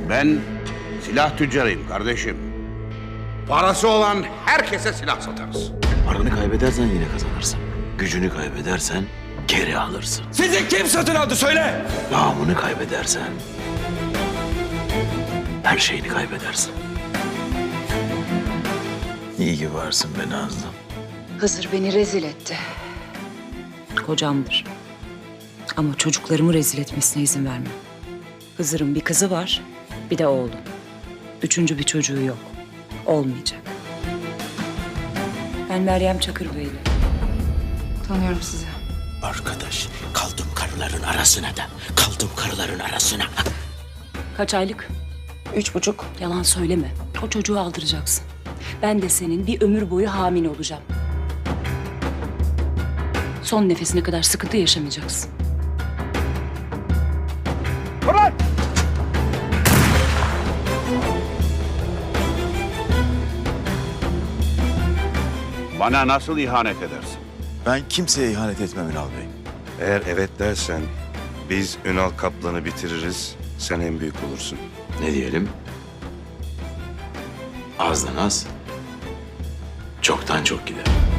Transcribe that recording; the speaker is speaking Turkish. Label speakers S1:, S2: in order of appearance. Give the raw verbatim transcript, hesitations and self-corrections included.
S1: Ben silah tüccarıyım kardeşim. Parası olan herkese silah satarız.
S2: Paranı kaybedersen yine kazanırsın. Gücünü kaybedersen geri alırsın.
S3: Sizi kim satın aldı söyle!
S2: Namını kaybedersen her şeyini kaybedersin. İyi ki varsın be Nazlı.
S4: Hızır beni rezil etti. Kocamdır. Ama çocuklarımı rezil etmesine izin vermem. Hızır'ın bir kızı var, bir de oğlu. Üçüncü bir çocuğu yok. Olmayacak. Ben Meryem Çakırbeyli.
S5: Tanıyorum sizi.
S2: Arkadaş, kaldım karıların arasına da. Kaldım karıların arasına.
S4: Kaç aylık? Üç buçuk. Yalan söyleme. O çocuğu aldıracaksın. Ben de senin bir ömür boyu hamile olacağım. Son nefesine kadar sıkıntı yaşamayacaksın.
S1: Bana nasıl ihanet edersin?
S6: Ben kimseye ihanet etmem Ünal Bey.
S7: Eğer evet dersen biz Ünal Kaplan'ı bitiririz, sen en büyük olursun.
S2: Ne diyelim? Azdan az, çoktan çok gider.